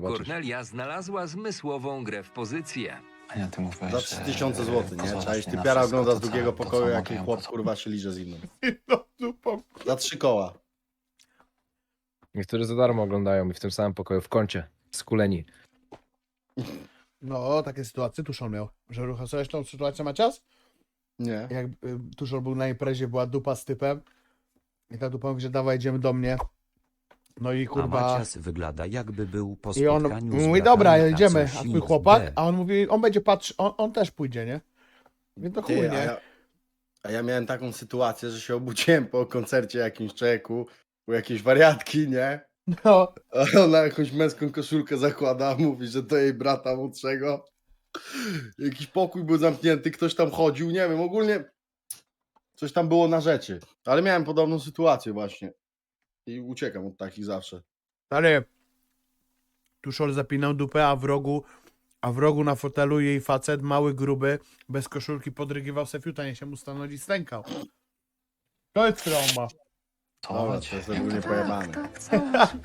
zobaczysz. Kornelia znalazła zmysłową grę w pozycję. Ania, ty mówiłeś, Za że 3000 zł, nie? pozwalasz Cześć, mi ty na piara wszystko, ogląda z to co- drugiego to co pokoju, mogę jaki ją chłop pozwolić. kurwa się liże z innym. No, dupą. Za 3 koła. Niektórzy za darmo oglądają i w tym samym pokoju, w kącie, skuleni. No, takie sytuacje Tuszol miał. Że rucha sobie tą sytuację Macias? Nie. Jak Tuszol był na imprezie, była dupa z typem. I ta dupa mówi, że dawaj, idziemy do mnie. No i A kurwa... Macias wygląda jakby był po I on spotkaniu z mówi, bratami dobra, jedziemy. A Kacusim twój z chłopak? B. A on mówi, on będzie patrzył, on też pójdzie, nie? Więc to chuj, Ty, nie? a ja miałem taką sytuację, że się obudziłem po koncercie jakimś czeku, u jakiejś wariatki, nie? No, A ona jakąś męską koszulkę zakłada, mówi, że to jej brata młodszego. Jakiś pokój był zamknięty, ktoś tam chodził, nie wiem, ogólnie coś tam było na rzeczy. Ale miałem podobną sytuację właśnie. I uciekam od takich zawsze. stary. Tuszol zapinał dupę, a w rogu na fotelu jej facet, mały, gruby, bez koszulki podrygiwał se fiuta, nie się mu stanąć i stękał. To jest trauma. To Dobra, chodź. to jest ogólnie pojebane. Tak, tak,